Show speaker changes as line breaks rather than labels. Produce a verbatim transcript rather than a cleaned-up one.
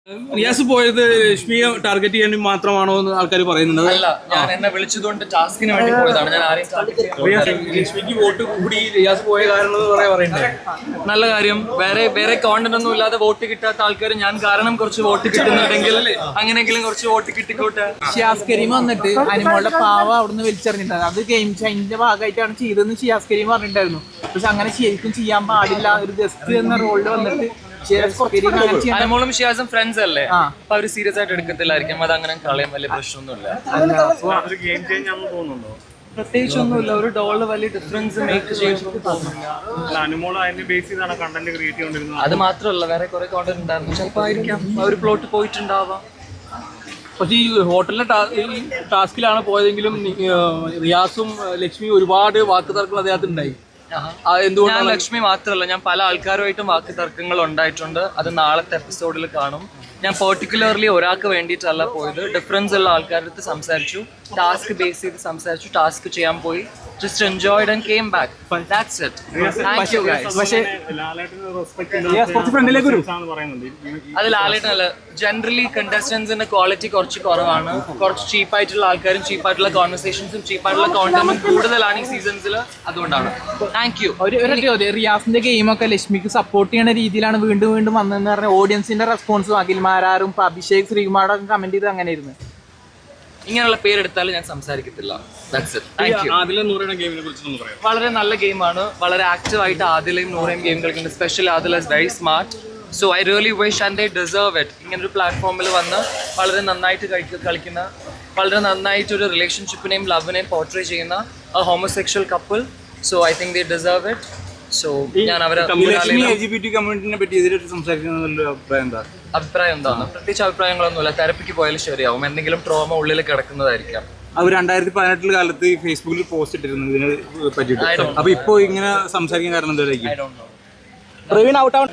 റിയാസ് പോയത് ലക്ഷ്മിയെ ടാർഗറ്റ് ചെയ്യാൻ മാത്രമാണോ എന്ന് ആൾക്കാർ പറയുന്നുണ്ട്.
അല്ല, ഞാൻ എന്നെ വിളിച്ചതുകൊണ്ട് ടാസ്കിന് വേണ്ടി പോയതാണ്. ഞാൻ ആരെയും
ലക്ഷ്മിക്ക് വോട്ട് കൂടി റിയാസ് പോയ കാരണം പറയുന്നത്
നല്ല കാര്യം. വേറെ വേറെ കോണ്ടന്റ് ഒന്നും ഇല്ലാതെ വോട്ട് കിട്ടാത്ത ആൾക്കാർ ഞാൻ കാരണം കുറച്ച് വോട്ട് കിട്ടുന്നുണ്ടെങ്കിൽ അങ്ങനെയെങ്കിലും കുറച്ച് വോട്ട് കിട്ടിക്കോട്ടെ.
ഷിയാസ് കരീം വന്നിട്ട് അനുമോളുടെ പാവ അവിടുന്ന് വലിച്ചെറിഞ്ഞിട്ടുണ്ട്. അത് ഗെയിം ചൈനിന്റെ ഭാഗമായിട്ടാണ് ചെയ്തതെന്ന് ഷിയാസ് കരീം പറഞ്ഞിട്ടുണ്ടായിരുന്നു. പക്ഷെ അങ്ങനെ ശരിക്കും ചെയ്യാൻ പാടില്ല. ഒരു ഗസ്റ്റ് എന്ന റോളിൽ വന്നിട്ട്
അനുമോളും ഷിയാസും ഫ്രണ്ട്സ് അല്ലേ, അപ്പൊ അവര് സീരിയസ് ആയിട്ട് എടുക്കത്തില്ലായിരിക്കും. അത് അങ്ങനെ കളയാൻ വലിയ പ്രശ്നമൊന്നുമില്ല. പ്രത്യേകിച്ചൊന്നുമില്ല. ഒരു ഡോള് വലിയ ഡിഫറൻസ് മേക്ക് ചെയ്യുന്നു. അത് മാത്രമല്ല, വേറെ കുറെ കോണ്ടന്റ് ഉണ്ടായിരുന്നു. ചിലപ്പോ ആയിരിക്കാം ഒരു പ്ലോട്ട് പോയിട്ടുണ്ടാവാം.
പക്ഷേ ഈ ഹോട്ടലിലെ ടാസ്കിലാണ് പോയതെങ്കിലും റിയാസും ലക്ഷ്മിയും ഒരുപാട് വാക്ക് തർക്കങ്ങൾ അദ്ദേഹത്തിന് ഉണ്ടായി.
ഞാൻ ലക്ഷ്മി മാത്രമല്ല, ഞാൻ പല ആൾക്കാരുമായിട്ടും വാക്ക് തർക്കങ്ങൾ ഉണ്ടായിട്ടുണ്ട്. അത് നാളത്തെ എപ്പിസോഡിൽ കാണും. ഞാൻ പെർട്ടിക്കുലർലി ഒരാൾക്ക് വേണ്ടിയിട്ടല്ല പോയത്. ഡിഫറൻസ് ഉള്ള ആൾക്കാരുടെ അടുത്ത് സംസാരിച്ചു, ടാസ്ക് ബേസ് ചെയ്ത് സംസാരിച്ചു, ടാസ്ക് ചെയ്യാൻ പോയി. Just enjoyed and came back. That's it. Thank you guys. അത് ലാലേട്ടനല്ല, ജനറലി കണ്ടസ്റ്റൻസിന്റെ ക്വാളിറ്റി കുറച്ച് കുറവാണ്. കുറച്ച് ചീപ്പായിട്ടുള്ള ആൾക്കാരും ചീപ്പായിട്ടുള്ള കോൺവെർസേഷൻസും ചീപ്പായിട്ടുള്ള കോണ്ടന്റും കൂടുതലാണ് ഈ സീസൺസിൽ. അതുകൊണ്ടാണ്. Thank you.
റിയാസിന്റെ ഗെയിമൊക്കെ ലക്ഷ്മിക്ക് സപ്പോർട്ട് ചെയ്യുന്ന രീതിയിലാണ് വീണ്ടും വീണ്ടും വന്നതെന്ന് പറഞ്ഞാൽ ഓഡിയൻസിന്റെ റെസ്പോൺസും അഖിൽമാരാറും അഭിഷേക് ശ്രീകുമാറും കമന്റ് ചെയ്ത് അങ്ങനെ ഇരുന്നു.
ഇങ്ങനെയുള്ള പേരെടുത്താലും ഞാൻ സംസാരിക്കത്തില്ല. വളരെ നല്ല ഗെയിമാണ്. വളരെ ആക്റ്റീവ് ആയിട്ട് ആദിലയും നൂറയും ഗെയിം കളിക്കുന്നുണ്ട്. Special Adila is very smart. So I really wish and they deserve it. ഇങ്ങനൊരു പ്ലാറ്റ്ഫോമിൽ വന്ന് വളരെ നന്നായിട്ട് കളിക്കുന്ന, വളരെ നന്നായിട്ട് ഒരു റിലേഷൻഷിപ്പിനെയും ലവിനെയും പോർട്രേ ചെയ്യുന്ന a homosexual couple. So I think they deserve it. സോ ഞാൻ അവരെ അഭിപ്രായം എന്താണ്? പ്രത്യേകിച്ച് അഭിപ്രായങ്ങളൊന്നുമില്ല. തെറപ്പിക്ക് പോയാലും ശരിയാവും. എന്തെങ്കിലും ട്രോമ ഉള്ളിൽ കിടക്കുന്നതായിരിക്കാം.
അവർ രണ്ടായിരത്തി പതിനെട്ടിൽ കാലത്ത് ഫേസ്ബുക്കിൽ പോസ്റ്റ് ഇട്ടിരുന്നു ഇതിനെ പറ്റിയിട്ട്. അപ്പൊ ഇപ്പൊ ഇങ്ങനെ സംസാരിക്കാൻ കാരണം എന്തായിരിക്കും?